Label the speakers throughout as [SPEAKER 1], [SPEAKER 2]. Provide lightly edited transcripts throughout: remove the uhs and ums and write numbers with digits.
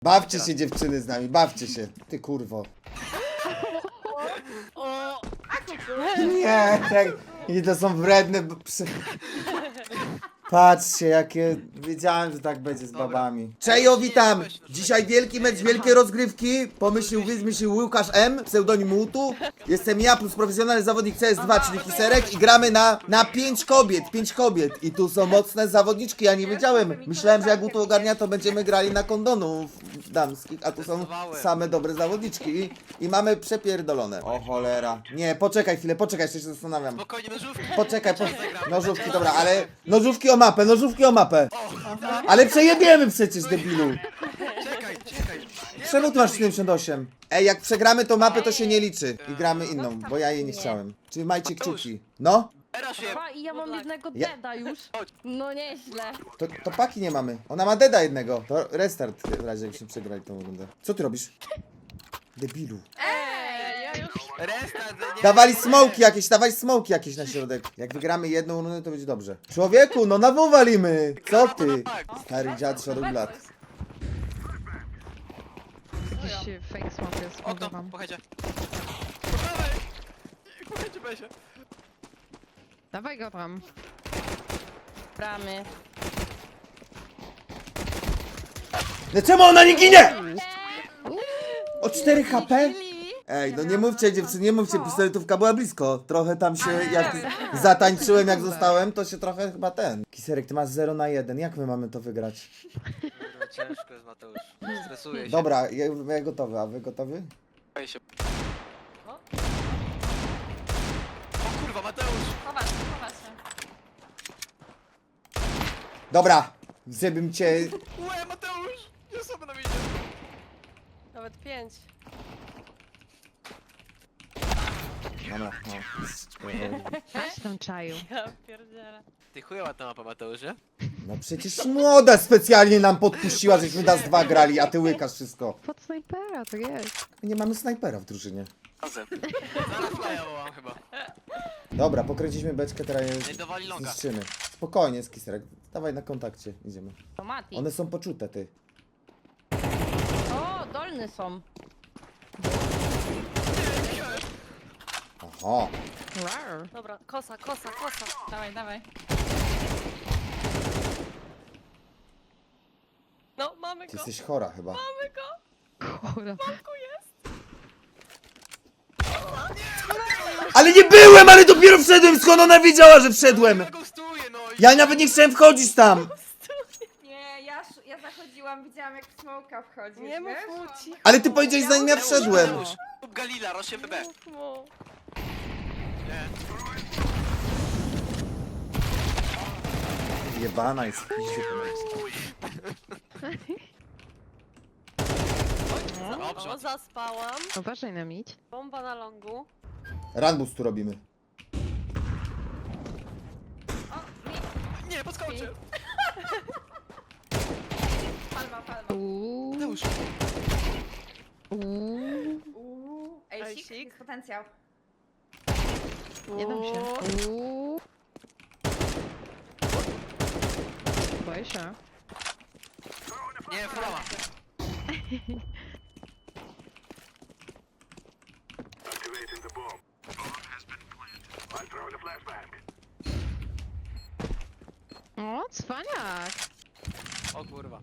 [SPEAKER 1] Bawcie się dziewczyny z nami, bawcie się. Ty kurwo. Nie, tak. I to są wredne psy. Patrzcie, jakie... Wiedziałem, że tak będzie z babami. Czejo, witam! Dzisiaj wielki mecz, wielkie rozgrywki. Wymyślił Łukasz M, pseudonim Łutu. Jestem ja plus profesjonalny zawodnik CS2, czyli Kiserek. I gramy na 5 kobiet, 5 kobiet. I tu są mocne zawodniczki, ja nie wiedziałem. Myślałem, że jak Łutu ogarnia, to będziemy grali na kondonów damskich. A tu są same dobre zawodniczki. I mamy przepierdolone. O cholera. Nie, poczekaj chwilę, poczekaj, jeszcze się zastanawiam.
[SPEAKER 2] Spokojnie, nożówki.
[SPEAKER 1] Poczekaj, nożówki, dobra, ale nożówki o mapę, nożówki o mapę. Ale przejebiemy przecież, debilu.
[SPEAKER 2] Czekaj.
[SPEAKER 1] Czemu ty masz 78? Ej, jak przegramy tą mapę, to się nie liczy. I gramy inną, bo ja jej nie chciałem. Czyli majcie kciuki. No,
[SPEAKER 2] Teraz się.
[SPEAKER 3] A, i ja mam jednego
[SPEAKER 1] Ja-
[SPEAKER 3] deda już. No nieźle.
[SPEAKER 1] to paki nie mamy. Ona ma deda jednego. To restart w razie, jakbyśmy przegrali tą rundę. Co ty robisz? Debilu.
[SPEAKER 3] Ja już...
[SPEAKER 2] Restart, nie.
[SPEAKER 1] Dawaj smoki jakieś na środek. Jak wygramy jedną rundę, to będzie dobrze. Człowieku, no na W walimy. Co ty? Stary dziad szarublat.
[SPEAKER 4] Jakiś fake smoke jest, mówię
[SPEAKER 2] Okno,
[SPEAKER 4] wam.
[SPEAKER 2] pochecie. Dawaj! Pochecie, Besie.
[SPEAKER 4] Dawaj go tam.
[SPEAKER 3] Bramy.
[SPEAKER 1] No czemu ona nie ginie? O 4 HP? Ej, no nie mówcie dziewczyny, nie mówcie, pistoletówka była blisko. Trochę tam się, jak zatańczyłem, jak zostałem, to się trochę chyba ten. Kiserek, ty masz 0 na 1, jak my mamy to wygrać?
[SPEAKER 2] Kurwa, ciężko jest, Mateusz. Stresuję się.
[SPEAKER 1] Dobra, ja gotowy, a wy gotowy?
[SPEAKER 2] Boję się. O kurwa, Mateusz!
[SPEAKER 3] Chować się.
[SPEAKER 1] Dobra, żebym cię...
[SPEAKER 2] Łe, Mateusz! Ja sobie na widzie.
[SPEAKER 3] Nawet 5.
[SPEAKER 1] Dobra, no.
[SPEAKER 4] Coś tam czaju.
[SPEAKER 3] Ja pierdzielę.
[SPEAKER 2] Ty chujowa ta mapa, Mateusz, nie?
[SPEAKER 1] No przecież młoda specjalnie nam podpuściła, żeśmy nas 2 grali, a ty łykasz wszystko.
[SPEAKER 4] Pod snajpera to jest.
[SPEAKER 1] Nie mamy snajpera w drużynie.
[SPEAKER 2] Razem. Zaraz flya wołam chyba.
[SPEAKER 1] Dobra, pokręciliśmy beczkę, teraz
[SPEAKER 2] Ej,
[SPEAKER 1] je
[SPEAKER 2] dowali longa.
[SPEAKER 1] zniszczymy. Spokojnie, Kiserek, dawaj na kontakcie, idziemy.
[SPEAKER 3] To Mati.
[SPEAKER 1] One są poczute, ty.
[SPEAKER 3] O, dolny są.
[SPEAKER 1] Oho.
[SPEAKER 4] Rar.
[SPEAKER 3] Dobra, kosa. Dawaj. No, mamy
[SPEAKER 1] Ty
[SPEAKER 3] go.
[SPEAKER 1] jesteś chora chyba.
[SPEAKER 3] Mamy go.
[SPEAKER 4] Kurwa.
[SPEAKER 1] Ale nie byłem, ale dopiero wszedłem, skąd ona wiedziała, że wszedłem?
[SPEAKER 2] Ja go stuję, no i...
[SPEAKER 1] Ja nawet nie chciałem wchodzić tam.
[SPEAKER 5] Nie, ja zachodziłam, widziałam jak w smoka wchodzi.
[SPEAKER 3] Nie mów mu cicho.
[SPEAKER 1] Ale ty powiedziałeś, zanim ja wszedłem.
[SPEAKER 2] Mateusz, kup Galila, rośnie BB.
[SPEAKER 3] Mów mu.
[SPEAKER 2] Nie.
[SPEAKER 1] Jebana jest.
[SPEAKER 2] Dobrze.
[SPEAKER 3] O, zaspałam.
[SPEAKER 4] Uważaj na mić.
[SPEAKER 3] Bomba na longu.
[SPEAKER 1] Runbus tu robimy.
[SPEAKER 2] Nie, podskoczę.
[SPEAKER 5] Palma.
[SPEAKER 4] Uuu.
[SPEAKER 2] Mateusz.
[SPEAKER 4] Uuu.
[SPEAKER 5] Ejsik,
[SPEAKER 3] Ejsik.
[SPEAKER 5] jest potencjał.
[SPEAKER 4] Nie dam się.
[SPEAKER 3] O,
[SPEAKER 4] Uuu. Boję się.
[SPEAKER 2] Nie, flama.
[SPEAKER 4] O, cwaniak.
[SPEAKER 2] O kurwa.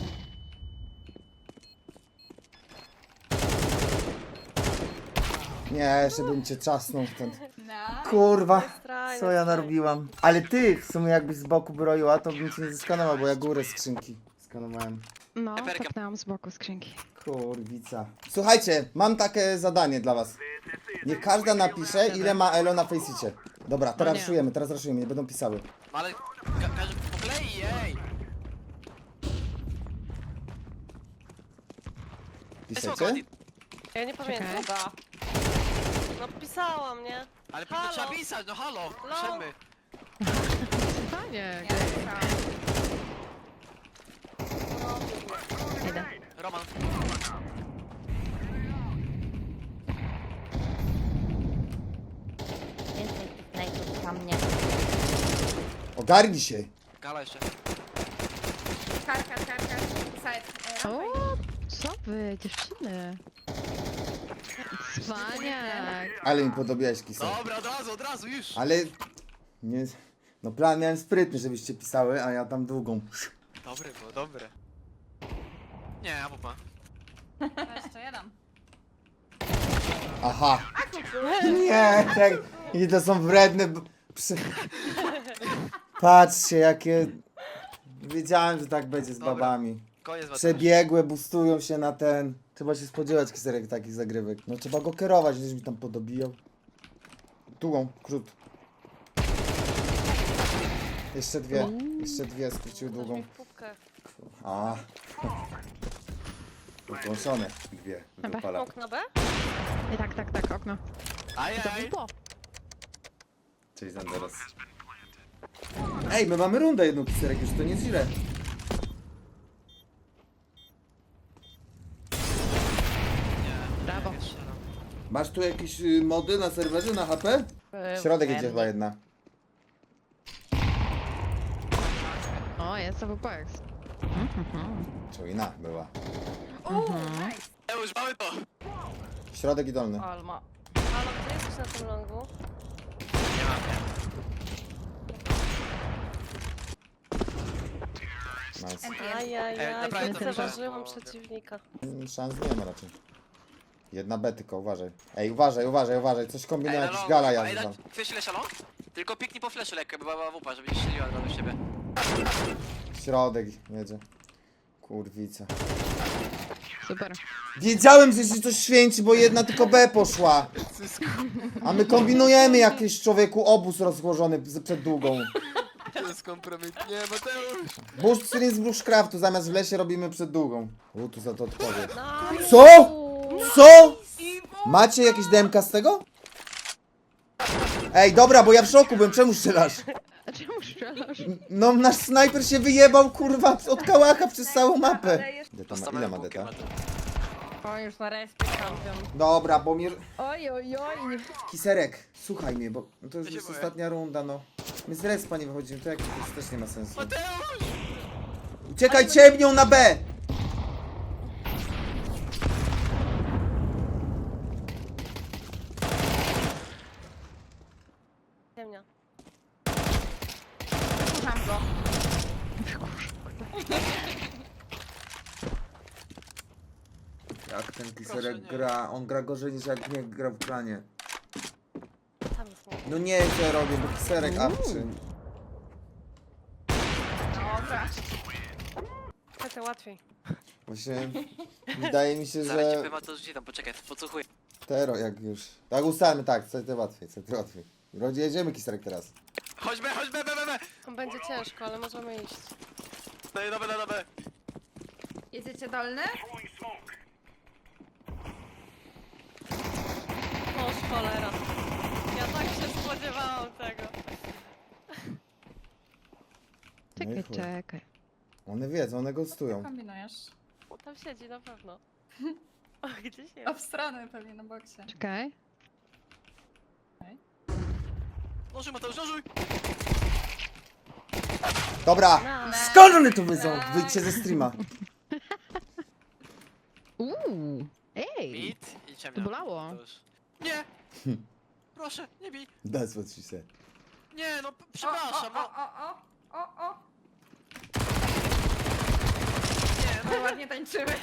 [SPEAKER 1] Nie, jeszcze bym cię czasnął stąd.
[SPEAKER 5] No.
[SPEAKER 1] Kurwa,
[SPEAKER 3] strajne,
[SPEAKER 1] co ja
[SPEAKER 3] strajne.
[SPEAKER 1] narobiłam. Ale ty w sumie jakbyś z boku broiła, to bym cię nie zeskanował, bo ja górę skrzynki skanowałem.
[SPEAKER 4] No,
[SPEAKER 2] Eperka.
[SPEAKER 4] tapnęłam z boku skrzynki.
[SPEAKER 1] Kurwica. Słuchajcie, mam takie zadanie dla was. Niech każda napisze, ile ma Elo na Faceicie. Dobra, teraz
[SPEAKER 4] No nie.
[SPEAKER 1] raszujemy, nie będą pisały.
[SPEAKER 2] No ale... Każdy po kolei, ej!
[SPEAKER 1] Piszecie?
[SPEAKER 3] Ja nie pamiętam.
[SPEAKER 4] Czekaj.
[SPEAKER 3] Chyba. No pisałam, nie?
[SPEAKER 2] Ale to
[SPEAKER 3] Halo.
[SPEAKER 2] trzeba pisać, no halo! Piszemy.
[SPEAKER 4] Cwaniak. Idę.
[SPEAKER 2] Roman.
[SPEAKER 3] Więcej tych najpierw na mnie.
[SPEAKER 1] Ogarnij się.
[SPEAKER 2] Gala jeszcze.
[SPEAKER 5] Kar. Side.
[SPEAKER 4] O, Co wy, dziewczyny? Cwaniak.
[SPEAKER 1] Ale mi podobiałeś, Kiserek.
[SPEAKER 2] Dobra, od razu, już.
[SPEAKER 1] Ale... Nie... No plan miałem sprytny, żebyście pisały, a ja tam długą.
[SPEAKER 2] Dobre było, dobre. Nie, AWP.
[SPEAKER 5] Jeszcze jeden.
[SPEAKER 1] Aha. Nie, tak. I to są wredne... Patrzcie, jakie... Wiedziałem, że tak będzie z
[SPEAKER 2] Dobra.
[SPEAKER 1] babami.
[SPEAKER 2] Koniec was.
[SPEAKER 1] Przebiegłe, bustują się na ten... Trzeba się spodziewać, Kiserek, takich zagrywek. No trzeba go kierować, gdzieś mi tam podobijał. Długą, krót. Jeszcze dwie skróciły
[SPEAKER 3] Ktoś mi
[SPEAKER 1] długą.
[SPEAKER 3] w pupkę.
[SPEAKER 1] A. Ukąszone dwie wypala.
[SPEAKER 3] Okno B?
[SPEAKER 4] Tak, okno. To
[SPEAKER 2] Ajaj.
[SPEAKER 4] było.
[SPEAKER 1] Cześć Zanderos. Ej, my mamy rundę jedną, Kiserek, już to nie jest źle.
[SPEAKER 2] Nie.
[SPEAKER 4] Brawo.
[SPEAKER 2] nie strzelam.
[SPEAKER 1] Masz tu jakieś mody na serwerze, na HP? Środek idzie chyba jedna.
[SPEAKER 4] O, jest AWP.
[SPEAKER 1] Czujna była.
[SPEAKER 2] Już mamy to.
[SPEAKER 1] Środek i dolny.
[SPEAKER 3] Alma. Halo, gdzie jesteś na tym longu?
[SPEAKER 2] Nie mam, nie.
[SPEAKER 1] Nice.
[SPEAKER 3] Ajajaj,
[SPEAKER 2] naprawdę to
[SPEAKER 3] zauważyłam
[SPEAKER 2] było.
[SPEAKER 3] przeciwnika.
[SPEAKER 1] Szans nie ma raczej. Jedna B tylko, uważaj. Ej, uważaj, coś kombinuje,
[SPEAKER 2] na
[SPEAKER 1] jakiś
[SPEAKER 2] longu,
[SPEAKER 1] gala
[SPEAKER 2] chyba.
[SPEAKER 1] jazda.
[SPEAKER 2] Chcesz ile szalon? Tylko piknij po fleszy lekko, by była AWP, żeby nie strzeliła od razu w siebie.
[SPEAKER 1] Środek jedzie. Kurwica.
[SPEAKER 4] Super.
[SPEAKER 1] Wiedziałem, że się coś święci, bo jedna tylko B poszła. A my kombinujemy jakiś człowieku obóz rozłożony przed długą.
[SPEAKER 2] To jest kompromit. Nie, Mateusz.
[SPEAKER 1] Bush stream z Bushcraftu, zamiast w lesie robimy przed długą. Tu za to odpowie.
[SPEAKER 3] Nice.
[SPEAKER 1] Co? Co? Macie jakieś DMK z tego? Ej, dobra, bo ja w szoku byłem, czemu strzelasz?
[SPEAKER 4] A czemu strzelasz?
[SPEAKER 1] No, nasz snajper się wyjebał, kurwa, od kałacha przez całą mapę.
[SPEAKER 5] Ale jeszcze...
[SPEAKER 1] Ile, to ma, ile
[SPEAKER 2] Postawałem
[SPEAKER 1] ma
[SPEAKER 2] bunkier,
[SPEAKER 1] deta?
[SPEAKER 2] Mateusz.
[SPEAKER 3] O, już na respie champion.
[SPEAKER 1] Dobra, bo mnie...
[SPEAKER 4] Oj.
[SPEAKER 1] Kiserek, słuchaj mnie, bo to już
[SPEAKER 2] Ja się
[SPEAKER 1] jest
[SPEAKER 2] boję.
[SPEAKER 1] ostatnia runda, no. My z respa nie wychodzimy, to jak to jest, też nie ma sensu.
[SPEAKER 2] Mateusz!
[SPEAKER 1] Uciekaj ciemnią na B!
[SPEAKER 3] Ciemnia.
[SPEAKER 5] Słucham go.
[SPEAKER 1] Jak ten
[SPEAKER 2] Proszę,
[SPEAKER 1] Kiserek
[SPEAKER 2] nie.
[SPEAKER 1] gra, on gra gorzej niż jak nie gra w planie.
[SPEAKER 3] Tam jest mój.
[SPEAKER 1] No nie wiem co ja robię, bo Kiserek apczy.
[SPEAKER 5] Dobra.
[SPEAKER 3] To łatwiej.
[SPEAKER 1] Właśnie wydaje mi się,
[SPEAKER 2] Zaraz ci
[SPEAKER 1] że
[SPEAKER 2] powiem, Mateusz, gdzie tam, poczekaj, podsłuchuję.
[SPEAKER 1] Tero jak już. Tak ustalmy, tak, co to łatwiej. Jedziemy Kiserek teraz.
[SPEAKER 2] Chodźmy, B.
[SPEAKER 3] Będzie ciężko, ale możemy iść.
[SPEAKER 2] Na B.
[SPEAKER 5] Jedziecie dolny?
[SPEAKER 3] O, cholera. Ja tak się spodziewałam tego.
[SPEAKER 1] No i chuj.
[SPEAKER 4] Czekaj.
[SPEAKER 1] One wiedzą, one gostują.
[SPEAKER 5] Kombinujesz.
[SPEAKER 3] Tam siedzi na pewno. O, gdzieś jest.
[SPEAKER 5] Obstrony pewnie na boksie.
[SPEAKER 4] Czekaj.
[SPEAKER 2] Nożuj, Mateusz, nożuj!
[SPEAKER 1] Dobra!
[SPEAKER 3] Nice.
[SPEAKER 1] Skąd one tu wyjdą? Wyjdźcie ze streama.
[SPEAKER 4] Ej.
[SPEAKER 2] Bit i ciemnia.
[SPEAKER 4] To bolało.
[SPEAKER 2] Mateusz. Nie! Proszę, nie bij!
[SPEAKER 1] That's what she said.
[SPEAKER 2] Nie, no, przepraszam, no.
[SPEAKER 5] O.
[SPEAKER 2] Nie,
[SPEAKER 5] No ładnie tańczymy.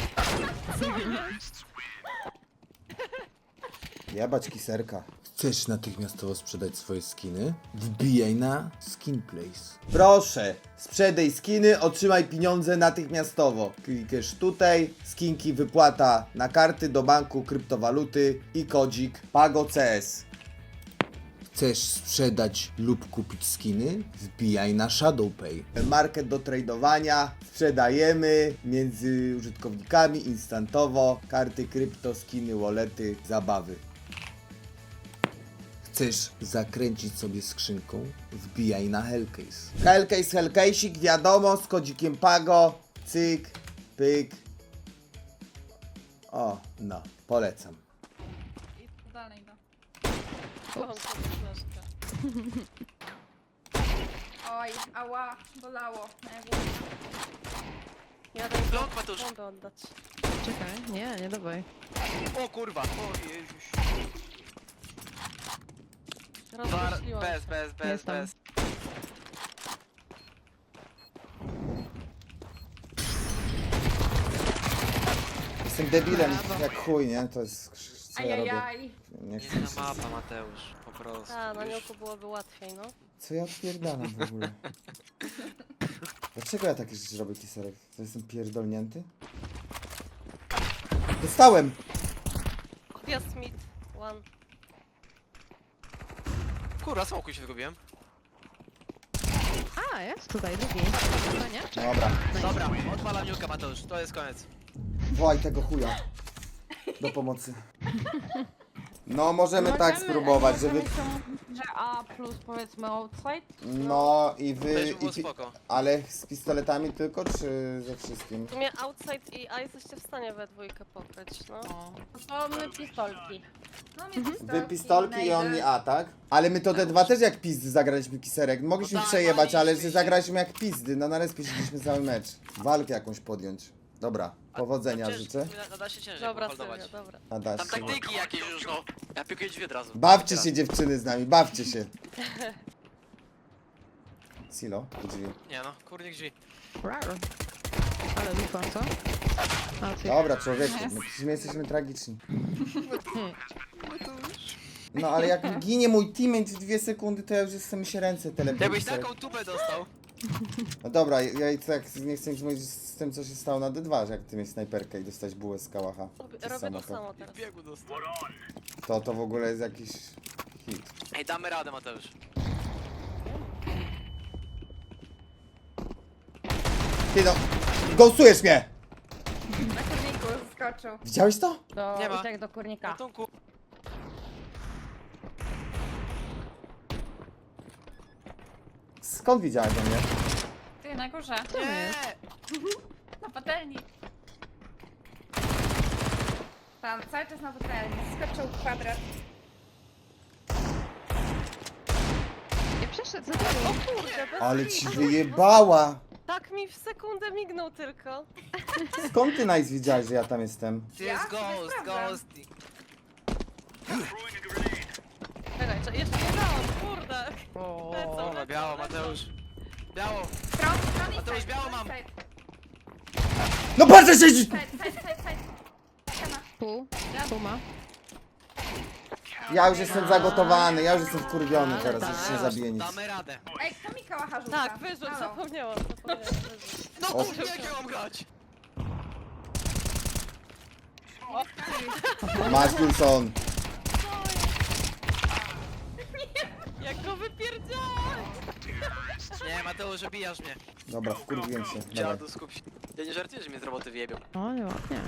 [SPEAKER 1] Jebać Kiserka. Chcesz natychmiastowo sprzedać swoje skiny? Wbijaj na Skinplace. Proszę, sprzedaj skiny, otrzymaj pieniądze natychmiastowo. Klikasz tutaj, skinki wypłata na karty do banku, kryptowaluty i kodzik PagoCS. Chcesz sprzedać lub kupić skiny? Wbijaj na ShadowPay. Market do tradowania, sprzedajemy między użytkownikami instantowo, karty krypto, skiny, wallety, zabawy. Chcesz zakręcić sobie skrzynką? Wbijaj na Hellcase. Hellcase'ik, wiadomo, z kodzikiem Pago, cyk, pyk. O, no, polecam.
[SPEAKER 5] I dalej go.
[SPEAKER 3] Mam sobie flaszkę.
[SPEAKER 5] Oj, ała, bolało. Na górze.
[SPEAKER 3] Jadę im
[SPEAKER 2] Blok, Mateusz.
[SPEAKER 3] bombę oddać.
[SPEAKER 4] Czekaj, nie dawaj.
[SPEAKER 2] O kurwa! O Jezus.
[SPEAKER 3] Rozmyśliłam.
[SPEAKER 2] Bez.
[SPEAKER 4] Jestem.
[SPEAKER 1] Jestem debilem jak chuj, nie? To jest... Co ja robię?
[SPEAKER 5] Ajajaj.
[SPEAKER 1] Nie chcę
[SPEAKER 2] Nie
[SPEAKER 1] się...
[SPEAKER 2] na mapa, Mateusz, po prostu.
[SPEAKER 3] A, na
[SPEAKER 2] Już.
[SPEAKER 3] nioku byłoby łatwiej, no.
[SPEAKER 1] Co ja odpierdalam w ogóle? Dlaczego ja takie rzeczy robię, Kiserek? To jestem pierdolnięty? Dostałem!
[SPEAKER 3] Gwiazd Smith, one.
[SPEAKER 2] Kurwa, smoku się zgubiłem.
[SPEAKER 4] A, jest tutaj drugi. Panie?
[SPEAKER 1] Dobra.
[SPEAKER 2] Dobra, odpalam niuka, Mateusz, to jest koniec.
[SPEAKER 1] Wołaj tego chuja. Do pomocy. No, możemy tak spróbować, żeby...
[SPEAKER 5] Że A plus powiedzmy outside?
[SPEAKER 1] No i
[SPEAKER 2] To
[SPEAKER 1] wy...
[SPEAKER 2] już było
[SPEAKER 1] I
[SPEAKER 2] spoko.
[SPEAKER 1] Ale z pistoletami tylko, czy ze wszystkim?
[SPEAKER 3] W sumie outside i A jesteście w stanie we dwójkę pokryć, no.
[SPEAKER 5] To my pistolki. No mnie pistolki.
[SPEAKER 1] Wy pistolki i on
[SPEAKER 5] najdę.
[SPEAKER 1] mi A, tak? Ale my to D2 też jak pizdy zagraliśmy, Kiserek. Mogliśmy
[SPEAKER 2] No tak,
[SPEAKER 1] przejebać, ale że
[SPEAKER 2] mogliśmy.
[SPEAKER 1] zagraliśmy jak pizdy. No na respie siedzieliśmy cały mecz. Walkę jakąś podjąć. Dobra, powodzenia
[SPEAKER 2] Tam ciężko,
[SPEAKER 1] życzę.
[SPEAKER 2] Da się ciężej
[SPEAKER 3] Dobra,
[SPEAKER 2] poholdować.
[SPEAKER 3] Sylwia, dobra.
[SPEAKER 1] A dasz
[SPEAKER 2] Tam
[SPEAKER 1] się.
[SPEAKER 2] taktyki jakieś już, no. Ja pikuję drzwi od razu.
[SPEAKER 1] Bawcie się dziewczyny z nami, bawcie się. Silo, drzwi.
[SPEAKER 2] Nie no, kurnik drzwi.
[SPEAKER 4] Rar. Ale dupa, co? A, ty.
[SPEAKER 1] Dobra, człowieku, my jesteśmy tragiczni. No ale jak ginie mój teammate w 2 sekundy, to ja już jestem się ręce telepię.
[SPEAKER 2] Jakbyś taką tubę dostał.
[SPEAKER 1] No dobra, ja i tak nie chcę nic mówić z tym, co się stało na D2, że jak ty mieć snajperkę i dostać bułę z kałacha.
[SPEAKER 3] Robię to samo teraz.
[SPEAKER 2] Biegu dostał.
[SPEAKER 1] To w ogóle jest jakiś hit.
[SPEAKER 2] Ej, damy radę, Mateusz.
[SPEAKER 1] Ty no, ghostujesz mnie!
[SPEAKER 5] Na kurniku skoczył.
[SPEAKER 1] Widziałeś to?
[SPEAKER 5] Do,
[SPEAKER 2] Nie ma.
[SPEAKER 5] uciekł do kurnika.
[SPEAKER 2] Ratunku.
[SPEAKER 1] Skąd widziałeś o mnie?
[SPEAKER 5] Ty na górze.
[SPEAKER 2] Nie!
[SPEAKER 5] Na patelni. Tam, cały czas na patelni. Skoczył kwadrat.
[SPEAKER 4] Nie przeszedł za tobą.
[SPEAKER 3] O kurde, bez
[SPEAKER 1] Ale
[SPEAKER 3] kitu.
[SPEAKER 1] ci wyjebała!
[SPEAKER 3] Tak mi w sekundę mignął tylko.
[SPEAKER 1] Skąd ty Nice widziałeś, że ja tam jestem?
[SPEAKER 2] Ty
[SPEAKER 5] Ja
[SPEAKER 2] jest
[SPEAKER 5] sobie
[SPEAKER 2] ghost,
[SPEAKER 5] sprawdzam.
[SPEAKER 2] ghost.
[SPEAKER 3] Czekaj, jeszcze nie dałam, kurde.
[SPEAKER 2] O,
[SPEAKER 3] Lecą,
[SPEAKER 2] biało, Mateusz. Biało.
[SPEAKER 5] Stron i
[SPEAKER 2] Mateusz,
[SPEAKER 5] side,
[SPEAKER 2] biało
[SPEAKER 5] stron i
[SPEAKER 2] mam.
[SPEAKER 5] side.
[SPEAKER 1] No patrzę się!
[SPEAKER 5] Side.
[SPEAKER 4] Pół. Pół ma.
[SPEAKER 1] Ja już jestem zagotowany, ja już jestem wkurwiony
[SPEAKER 4] Ale
[SPEAKER 1] teraz,
[SPEAKER 4] tak.
[SPEAKER 1] już nie zabiję nic.
[SPEAKER 2] Damy radę.
[SPEAKER 5] Ej, kto mi kałacha rzuca?
[SPEAKER 3] Tak, wyrzuć,
[SPEAKER 5] Halo.
[SPEAKER 3] zapomniałam. Wyrzuć.
[SPEAKER 2] No
[SPEAKER 1] O.
[SPEAKER 2] kurde, jak ja mam grać?
[SPEAKER 1] Masz Wilson.
[SPEAKER 3] Jak go wypierdziałem!
[SPEAKER 2] Nie, Mateusz, obijasz mnie.
[SPEAKER 1] Dobra, wkurwiłem się. Dawaj.
[SPEAKER 2] Dziadu, skup się. Ja nie żartuję, że mnie z roboty wyjebią.
[SPEAKER 4] O, nieładnie.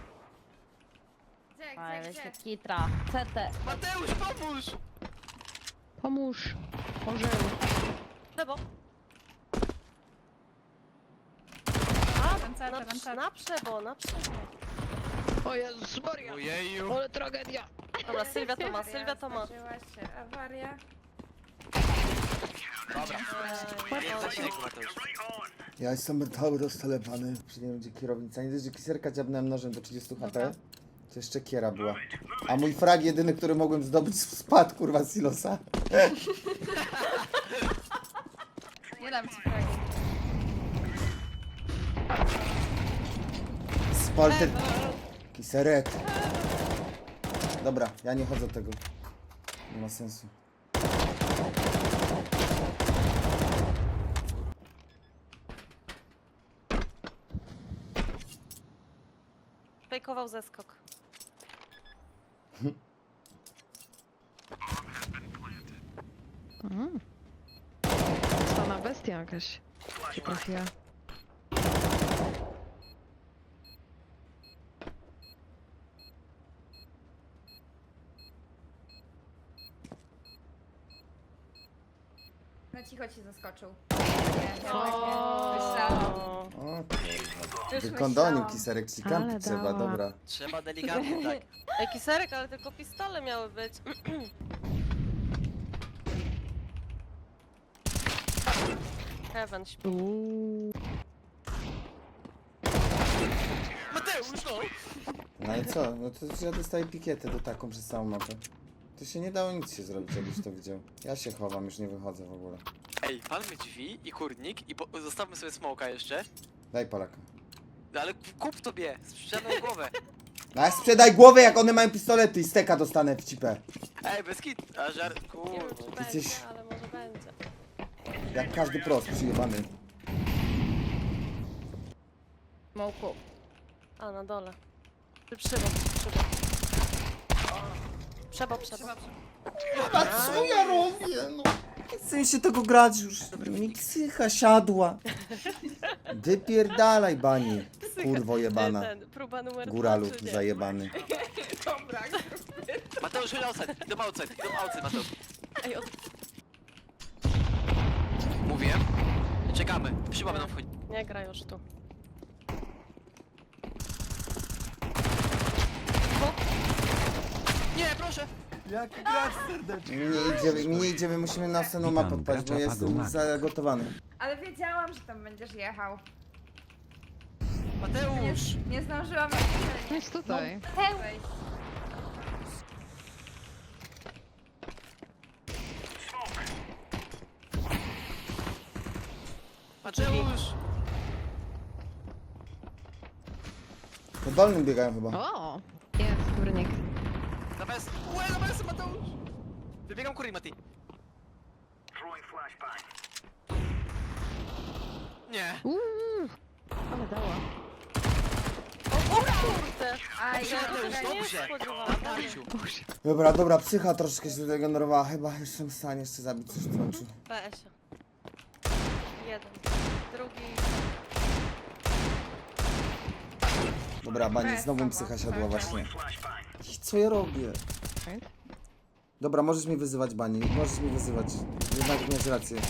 [SPEAKER 5] Gdzie?
[SPEAKER 6] Kitra, CT.
[SPEAKER 2] Mateusz, pomóż!
[SPEAKER 4] Pomóż. Orzeł.
[SPEAKER 3] Lewo. Na przebo, na przebo.
[SPEAKER 4] O Jezus Maria.
[SPEAKER 2] Ojeju.
[SPEAKER 4] Ale tragedia.
[SPEAKER 3] Dobra, Sylwia to ma, Sylwia to ma.
[SPEAKER 5] Zdarzyła się awaria.
[SPEAKER 2] Dobra. Nie zasięg, Mateusz.
[SPEAKER 1] Ja jestem cały roztelepany. Przy nim będzie kierownica. Nie dość, że kiserka dziabnąłem nożem do 30 HP. To jeszcze kiera była. A mój frag jedyny, który mogłem zdobyć, spadł kurwa z silosa.
[SPEAKER 5] Nie dam ci fragi.
[SPEAKER 1] Spalty... Kiserek. Dobra, ja nie chodzę tego. Nie ma sensu.
[SPEAKER 3] Fejkował zeskok.
[SPEAKER 4] Stana bestia jakaś. Się trafiła.
[SPEAKER 5] Na cicho ci zaskoczył. Nie, myślałam.
[SPEAKER 1] O,
[SPEAKER 5] Już
[SPEAKER 1] wykondonił
[SPEAKER 5] myślałam.
[SPEAKER 1] kiserek, ci
[SPEAKER 4] Ale
[SPEAKER 1] kampi trzeba,
[SPEAKER 4] dała.
[SPEAKER 1] dobra.
[SPEAKER 2] Trzeba delikatnie, tak.
[SPEAKER 3] Ej, kiserek, ale tylko pistole miały być. Heaven śpi.
[SPEAKER 4] Uuu.
[SPEAKER 2] Mateusz! Mateusz, no!
[SPEAKER 1] No ale co? No to ja dostaję pikietę do taką przez całą mapę. To się nie dało nic się zrobić, jakbyś to widział. Ja się chowam, już nie wychodzę w ogóle.
[SPEAKER 2] Ej, palmy drzwi i kurnik i zostawmy sobie smoka jeszcze.
[SPEAKER 1] Daj Polaka.
[SPEAKER 2] No ale kup tobie, sprzedaj głowę.
[SPEAKER 1] No a sprzedaj głowę, jak one mają pistolety i steka dostanę w cipę.
[SPEAKER 2] Ej, bez kit. A żart,
[SPEAKER 3] Nie wiem, czy
[SPEAKER 2] kurwa.
[SPEAKER 3] będzie,
[SPEAKER 1] jesteś-
[SPEAKER 3] ale może będzie.
[SPEAKER 1] Jak każdy prost przyjebany.
[SPEAKER 4] Smoku.
[SPEAKER 3] A, na dole. Przybo. Przebo.
[SPEAKER 1] A co ja robię, no? Nie chcę mi się tego grać już. Mi psycha siadła. Wypierdalaj, bani. Kurwo jebana.
[SPEAKER 3] Próba numer 2,
[SPEAKER 1] Góralu
[SPEAKER 3] czy nie?
[SPEAKER 1] zajebany.
[SPEAKER 5] Dobra,
[SPEAKER 2] Mateusz, chodź outside. Idą outside, Mateusz.
[SPEAKER 3] Ej,
[SPEAKER 2] Mówiłem. Czekamy. Przyba będą wchodzić.
[SPEAKER 3] nie gra już tu.
[SPEAKER 2] Nie, proszę!
[SPEAKER 1] Jaki gracz serdeczny. Mi nie idzie, my musimy na następną mapę odpalić, bo jestem zagotowany.
[SPEAKER 5] ale wiedziałam, że tam będziesz jechał.
[SPEAKER 2] Mateusz!
[SPEAKER 5] Nie zdążyłam
[SPEAKER 4] Jest tutaj.
[SPEAKER 5] wejść.
[SPEAKER 2] Mateusz!
[SPEAKER 1] Po dolnym biegają chyba.
[SPEAKER 4] O! Jest, górnik.
[SPEAKER 2] Na bez! Mateusz! Wybiegam kurnik, Mati. Nie.
[SPEAKER 4] Ale dała.
[SPEAKER 3] Kurde!
[SPEAKER 5] Aj,
[SPEAKER 2] Mateusz,
[SPEAKER 5] ja
[SPEAKER 2] dobrze!
[SPEAKER 3] spodziewałam.
[SPEAKER 2] Matarciu.
[SPEAKER 1] Dobra, psycha troszeczkę się zregenerowała. Chyba jestem w stanie jeszcze zabić coś w końcu.
[SPEAKER 3] PS. Jeden. Drugi.
[SPEAKER 1] Dobra, bani, znowu mi psycha siadła właśnie. I co ja robię? Dobra, możesz mi wyzywać, bani, możesz mi wyzywać. Jednak miałeś rację.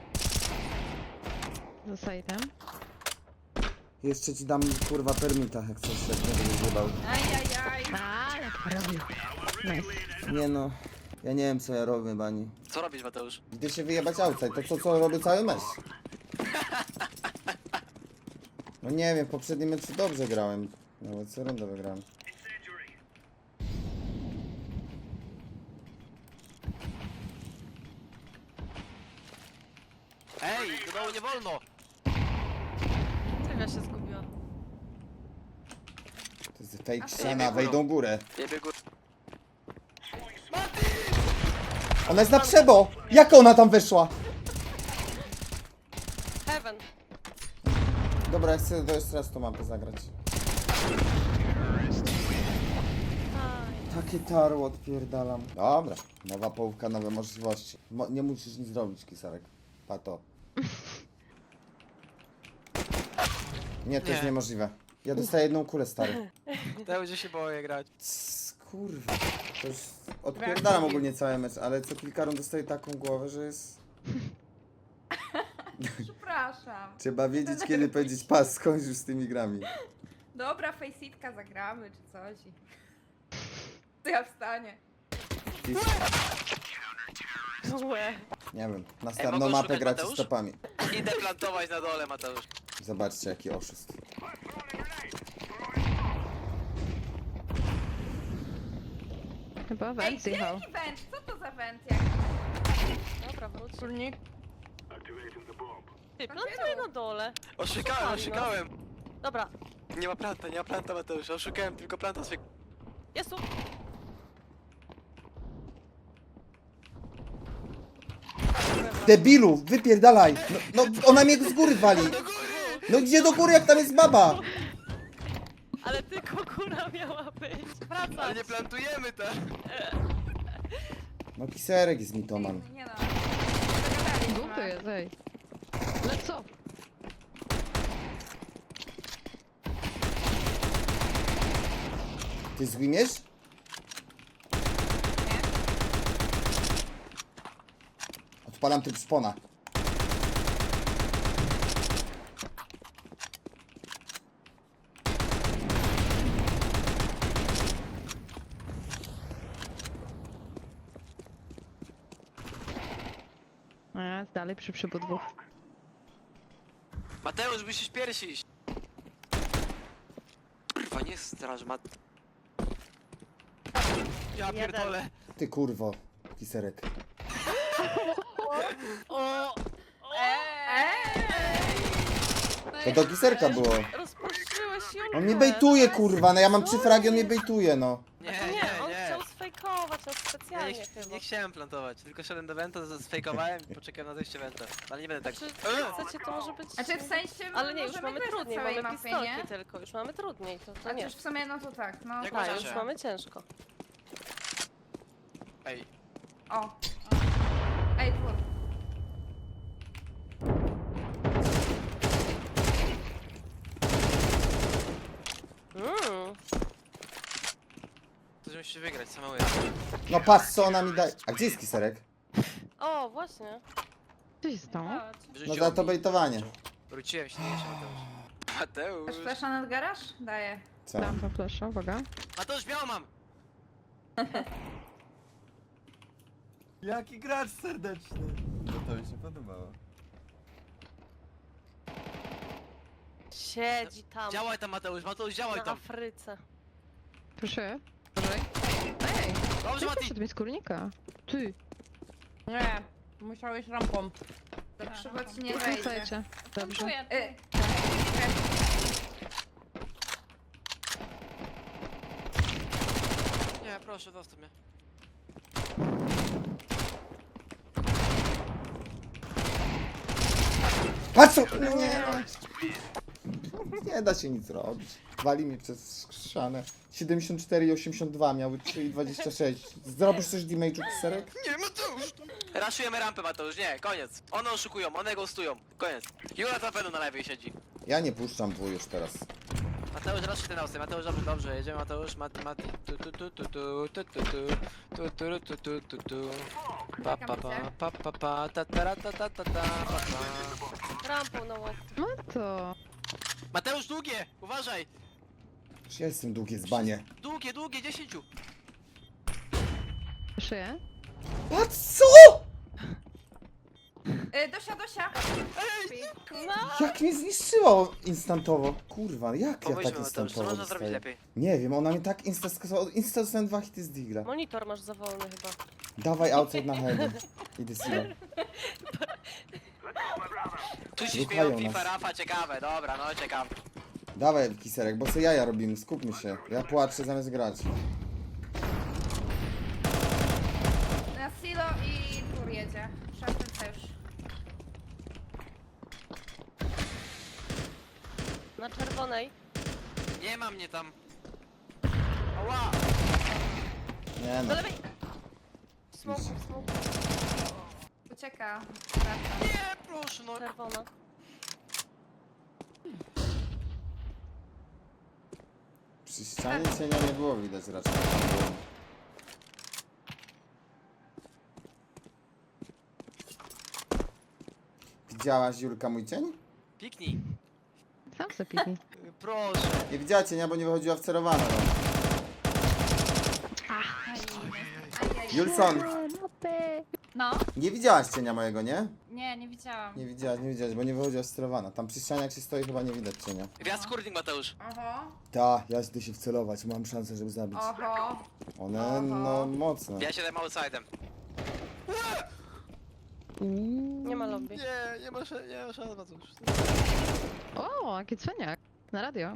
[SPEAKER 4] Zostaje tam.
[SPEAKER 1] Jeszcze ci dam kurwa permita, jak coś, jak nie będziesz jebał.
[SPEAKER 5] Ajajaj.
[SPEAKER 4] Ale robił. Nice.
[SPEAKER 1] Nie no, ja nie wiem co ja robię, bani.
[SPEAKER 2] Co robisz, Mateusz?
[SPEAKER 1] Idę się wyjebać outside, to co robię cały mecz. No nie wiem, w poprzednim meczu dobrze grałem. Nawet co rundę wygrałem.
[SPEAKER 2] Ej, do dołu nie wolno!
[SPEAKER 3] Trywia się zgubiła.
[SPEAKER 1] To jest fake ściana, wejdą górę.
[SPEAKER 2] Jebie gór.
[SPEAKER 1] Ona jest na przebo! Jak ona tam weszła?
[SPEAKER 3] Heaven.
[SPEAKER 1] Dobra, ja chcę to jeszcze raz tą mapę zagrać.
[SPEAKER 3] Aj.
[SPEAKER 1] Takie tarło odpierdalam. Dobra, nowa połówka, nowe możliwości. Nie musisz nic zrobić, Kisarek. Pato. Nie, to jest
[SPEAKER 2] Nie.
[SPEAKER 1] niemożliwe. Ja dostaję jedną kulę, stary.
[SPEAKER 2] Mateusz, się boję grać.
[SPEAKER 1] Kurwa. To już odpierdalam ogólnie cały mecz, ale co kilka rund dostaję taką głowę, że jest...
[SPEAKER 5] Przepraszam.
[SPEAKER 1] Trzeba wiedzieć, kiedy powiedzieć pas, skończ już z tymi grami.
[SPEAKER 5] Dobra, faceitka zagramy czy coś. To ja wstanie.
[SPEAKER 3] Łe.
[SPEAKER 1] Nie wiem,
[SPEAKER 2] Ej,
[SPEAKER 1] następną
[SPEAKER 2] mogą
[SPEAKER 1] mapę
[SPEAKER 2] szukać
[SPEAKER 1] gracie
[SPEAKER 2] Mateusz?
[SPEAKER 1] stopami.
[SPEAKER 2] Idę plantować na dole, Mateusz.
[SPEAKER 1] Zobaczcie, jaki oszust.
[SPEAKER 4] Chyba
[SPEAKER 5] Ej,
[SPEAKER 4] węd zjechał.
[SPEAKER 5] jaki węd? Co to za węd? Jak...
[SPEAKER 3] Dobra, wróć.
[SPEAKER 4] Górnik.
[SPEAKER 3] Ty, plantuj na dole.
[SPEAKER 2] Oszukałem.
[SPEAKER 3] Dobra,
[SPEAKER 2] Nie ma planta, Mateusz. Oszukałem tylko planta swojego.
[SPEAKER 3] jest tu.
[SPEAKER 1] Debilu, wypierdalaj! No, ona mnie z góry wali! No gdzie do góry, jak tam jest baba?
[SPEAKER 3] Ale tylko góra miała być.
[SPEAKER 2] Ale
[SPEAKER 3] Wracać.
[SPEAKER 2] nie plantujemy tak.
[SPEAKER 1] No Kiserek jest mitoman.
[SPEAKER 5] Nie no.
[SPEAKER 4] Dwóch to jest, ej. Ale co?
[SPEAKER 1] Ty zginiesz? Odpalam tryb szpona.
[SPEAKER 4] A, dalej przy przybu dwóch.
[SPEAKER 2] Mateusz, musisz pierwszy iść. Kurwa, nie Nie straż, ma... Ja
[SPEAKER 3] Jeden.
[SPEAKER 2] pierdolę.
[SPEAKER 1] Ty kurwo, Kiserek.
[SPEAKER 3] O!
[SPEAKER 1] To do Kiserka było.
[SPEAKER 3] Rozpuściłeś Julkę.
[SPEAKER 1] On mnie bejtuje, kurwa, no ja mam 3 fragi, on mnie bejtuje, no.
[SPEAKER 2] Nie,
[SPEAKER 3] Nie, on
[SPEAKER 2] nie,
[SPEAKER 3] chciał sfejkować nas
[SPEAKER 2] nie.
[SPEAKER 3] specjalnie
[SPEAKER 2] Nie,
[SPEAKER 3] chyba.
[SPEAKER 2] nie chciałem plantować, tylko szedłem do Venta, sfejkowałem i poczekałem na zejście Venta. Ale nie będę tak...
[SPEAKER 3] Czy chcecie, to może być...
[SPEAKER 5] Znaczy w sensie
[SPEAKER 3] Ale nie, już
[SPEAKER 5] możemy
[SPEAKER 3] mamy
[SPEAKER 5] grać na
[SPEAKER 3] trudniej,
[SPEAKER 5] całej
[SPEAKER 3] mamy
[SPEAKER 5] mapie,
[SPEAKER 3] pistolki
[SPEAKER 5] nie?
[SPEAKER 3] tylko, już mamy trudniej, to
[SPEAKER 5] A
[SPEAKER 3] nie.
[SPEAKER 5] też w sumie, no to tak, no.
[SPEAKER 2] Jak
[SPEAKER 3] Tak,
[SPEAKER 2] uważacie?
[SPEAKER 3] już mamy ciężko.
[SPEAKER 2] Ej,
[SPEAKER 5] O. Ej, dwór.
[SPEAKER 2] to musisz wygrać, samemu
[SPEAKER 1] No patrz, co ona mi daje. A gdzie jest Kiserek?
[SPEAKER 3] O, właśnie.
[SPEAKER 4] Co się stało?
[SPEAKER 1] No za to bejtowanie.
[SPEAKER 2] Wróciłem się, nie się Mateusz.
[SPEAKER 5] Masz flasza nad garaż? Daję.
[SPEAKER 1] Co?
[SPEAKER 4] Dam to flasza, uwaga.
[SPEAKER 2] Mateusz, biało mam!
[SPEAKER 6] Jaki gracz serdeczny. No to mi się podobało.
[SPEAKER 3] Siedzi tam,
[SPEAKER 2] Działaj tam, Mateusz, Mateusz, działaj
[SPEAKER 3] na
[SPEAKER 2] tam!
[SPEAKER 3] Afryce.
[SPEAKER 4] Proszę. Uważaj. Ej,
[SPEAKER 2] Dobrze,
[SPEAKER 4] ty
[SPEAKER 2] Mati!
[SPEAKER 4] poszedł mi z kurnika. Ty.
[SPEAKER 5] Nie, musiałeś rampą. To krzywo ci nie wejdzie.
[SPEAKER 4] Słuchajcie. Dobrze.
[SPEAKER 5] Y,
[SPEAKER 2] Nie, proszę, zostaw mnie.
[SPEAKER 1] Patrz co! No nie. Nie da się nic robić. Wali mi przez szanę. 74 i 82 miały 3 i 26. Zrobisz coś damage'u, Kiserek?
[SPEAKER 2] Nie, Mateusz! Raszujemy rampę, Mateusz, nie, koniec. One oszukują, one ghostują, koniec. Jura na pewno na lewej siedzi.
[SPEAKER 1] Ja nie puszczam W już teraz.
[SPEAKER 2] Mateusz, raszuj ten ausy, Mateusz, dobrze, dobrze, jedziemy, Mateusz, Mati, Mati. Tu, tu, tu, tu, tu, tu, tu, tu, tu, tu, tu, tu, tu, tu. Pa, pa, pa, pa, pa, ta, ta, ta, ta, ta, ta, pa, pa.
[SPEAKER 3] Rampą na łeb.
[SPEAKER 4] No to.
[SPEAKER 2] Mateusz, długie, uważaj!
[SPEAKER 1] Już ja jestem długie zbanie.
[SPEAKER 2] Długie, długie, 10.
[SPEAKER 4] Szyję.
[SPEAKER 1] Patrz co?
[SPEAKER 5] Dosia!
[SPEAKER 1] Jak mnie zniszczyło instantowo. Kurwa, jak ja
[SPEAKER 2] Pomyślmy,
[SPEAKER 1] tak
[SPEAKER 2] Mateusz, co
[SPEAKER 1] instantowo
[SPEAKER 2] można zrobić
[SPEAKER 1] dostaję?
[SPEAKER 2] lepiej?
[SPEAKER 1] Nie wiem, ona mi tak insta dostałem 2 hity z digla.
[SPEAKER 3] Monitor masz za wolny chyba.
[SPEAKER 1] Dawaj outside na heaven. Idę sobie.
[SPEAKER 2] Tu się
[SPEAKER 1] Ruchają
[SPEAKER 2] śmieją FIFA,
[SPEAKER 1] nas.
[SPEAKER 2] Rafa, ciekawe, dobra, no ciekawe.
[SPEAKER 1] Dawaj Kiserek, bo co jaja robimy, skupmy się. Ja płaczę zamiast grać.
[SPEAKER 5] Na silo i dwór jedzie. Szafryca już.
[SPEAKER 3] Na czerwonej.
[SPEAKER 2] Nie ma mnie tam. Ała!
[SPEAKER 1] Nie no.
[SPEAKER 3] Do lewej! Smoke, smoke,
[SPEAKER 5] Ucieka. Wraca.
[SPEAKER 2] Nie, proszę, no.
[SPEAKER 3] czerwona.
[SPEAKER 1] Przy ścianie cienia nie było widać raczej. Widziałaś Julka mój cień?
[SPEAKER 2] Piknij.
[SPEAKER 4] Sam zapiknij.
[SPEAKER 2] Proszę.
[SPEAKER 1] Nie widziała cienia, bo nie wychodziła wcerowana. No. Julson,
[SPEAKER 5] No?
[SPEAKER 1] nie widziałaś cienia mojego, nie?
[SPEAKER 5] Nie widziałam.
[SPEAKER 1] Nie widziałaś, bo nie wychodziła wcerowana. Tam przy ścianie jak się stoi chyba nie widać cienia.
[SPEAKER 2] Gwiazd kurnik, Mateusz.
[SPEAKER 5] Oho,
[SPEAKER 1] Ta, ja idę się wcelować, mam szansę, żeby zabić.
[SPEAKER 5] oho.
[SPEAKER 1] One, no, mocne.
[SPEAKER 2] Ja się dam outsidem.
[SPEAKER 3] Nie ma lobby.
[SPEAKER 2] Nie, nie ma szans, Mateusz.
[SPEAKER 4] O, jaki cwaniak. Na radio.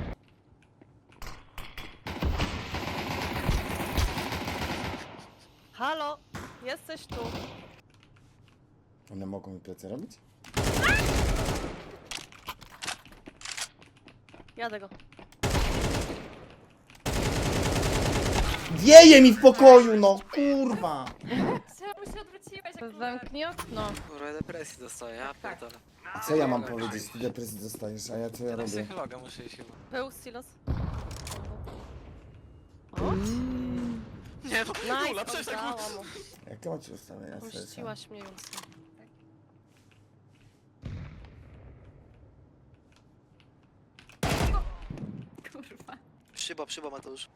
[SPEAKER 3] Halo! Jesteś tu.
[SPEAKER 1] One mogą mi plecy robić?
[SPEAKER 3] Jadę go.
[SPEAKER 1] Wieje mi w pokoju, no, kurwa!
[SPEAKER 5] Czemu się odwróciłeś?
[SPEAKER 3] Zamknij okno.
[SPEAKER 2] Kurwa, depresji dostaję, ja pierdolę.
[SPEAKER 1] A co ja mam powiedzieć? Ty depresji dostajesz, a ja co ja
[SPEAKER 2] Teraz
[SPEAKER 1] robię?
[SPEAKER 2] psychologa muszę iść chyba.
[SPEAKER 3] Był silos.
[SPEAKER 2] Nie, no, Jula,
[SPEAKER 3] Nice,
[SPEAKER 2] przestań,
[SPEAKER 3] oddała mu.
[SPEAKER 1] Jakie macie ustawienia serca?
[SPEAKER 3] Puściłaś mnie, Julsa.
[SPEAKER 5] Kurwa.
[SPEAKER 2] Przybo, Mateusz.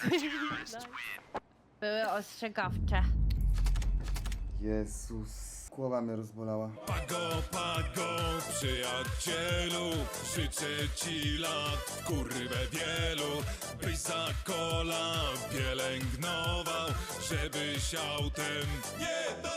[SPEAKER 3] Nice.
[SPEAKER 5] Były ostrzegawcze.
[SPEAKER 1] Jezus. Głowa mnie rozbolała.
[SPEAKER 7] Pago, przyjacielu, życzę ci lat, kurwę wielu, byś za kola pielęgnował, żebyś autem nie